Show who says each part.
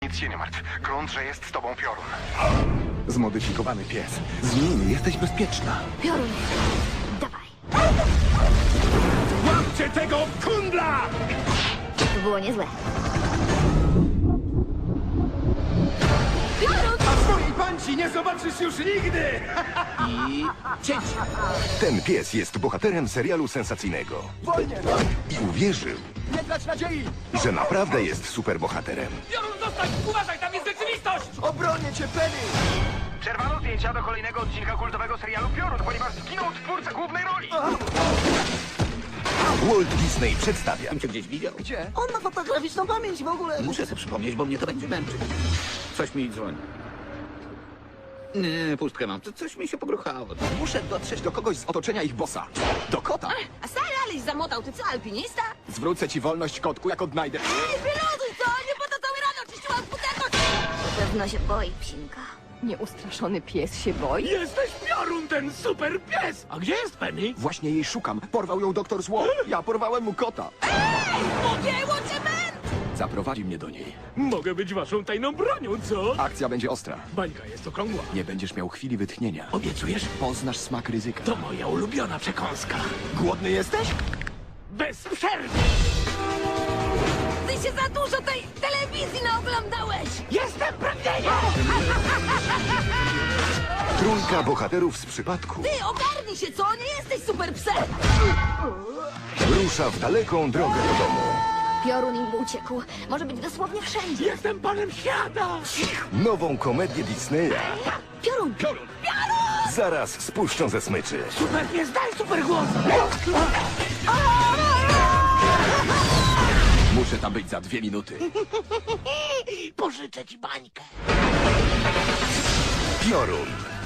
Speaker 1: Nic się nie martw. Grunt, że jest z tobą Piorun.
Speaker 2: Zmodyfikowany pies. Z nim jesteś bezpieczna.
Speaker 3: Piorun, dawaj.
Speaker 2: Łapcie tego kundla!
Speaker 3: To było niezłe.
Speaker 2: A swojej panci nie zobaczysz już nigdy!
Speaker 4: I cięcie.
Speaker 5: Ten pies jest bohaterem serialu sensacyjnego.
Speaker 2: Wolnie!
Speaker 5: I uwierzył,
Speaker 2: Nie trać nadziei!
Speaker 5: że naprawdę jest superbohaterem.
Speaker 4: Piorun, zostań! Uważaj, tam jest rzeczywistość!
Speaker 2: Obronię cię, Penny!
Speaker 1: Przerwano zdjęcia do kolejnego odcinka kultowego serialu Piorun, ponieważ zginął twórca głównej roli.
Speaker 5: Walt Disney przedstawia
Speaker 4: Cię gdzieś widział?
Speaker 2: Gdzie?
Speaker 6: On ma fotograficzną pamięć w ogóle.
Speaker 4: Muszę sobie przypomnieć, bo mnie to będzie męczyć. Coś mi dzwoni. Nie, pustkę mam. Coś mi się pogruchało.
Speaker 2: Muszę dotrzeć do kogoś z otoczenia ich bossa. Do kota!
Speaker 6: A stary Alice zamotał, ty co, alpinista?
Speaker 2: Zwrócę ci wolność, kotku, jak odnajdę.
Speaker 6: Ej, wyluzuj to! Nie po to cały rano czyściłam futerko!
Speaker 3: Na pewno się boi, psinka.
Speaker 7: Nieustraszony pies się boi?
Speaker 4: Jesteś Piorun, ten super pies! A gdzie jest Penny?
Speaker 2: Właśnie jej szukam. Porwał ją doktor Zło. Ja porwałem mu kota.
Speaker 6: Pogięło cię męt!
Speaker 2: Zaprowadzi mnie do niej.
Speaker 4: Mogę być waszą tajną bronią, co?
Speaker 2: Akcja będzie ostra.
Speaker 4: Bańka jest okrągła.
Speaker 2: Nie będziesz miał chwili wytchnienia.
Speaker 4: Obiecujesz?
Speaker 2: Poznasz smak ryzyka.
Speaker 4: To moja ulubiona przekąska.
Speaker 2: Głodny jesteś?
Speaker 4: Bez przerwy!
Speaker 6: Ty się za dużo tej telewizji naoglądałeś!
Speaker 4: Jestem pragnieniem!
Speaker 5: trójka bohaterów z przypadku.
Speaker 6: Ty, ogarnij się, co? Nie jesteś super psem!
Speaker 5: Rusza w daleką drogę do domu.
Speaker 3: Piorun im uciekł. Może być dosłownie wszędzie.
Speaker 4: Jestem panem świata!
Speaker 5: Nową komedię Disneya
Speaker 3: Piorun!
Speaker 5: zaraz spuszczą ze smyczy.
Speaker 4: Super pies, daj super głos!
Speaker 2: Muszę tam być za 2 minuty.
Speaker 4: Pożyczę ci bańkę.
Speaker 5: Piorun.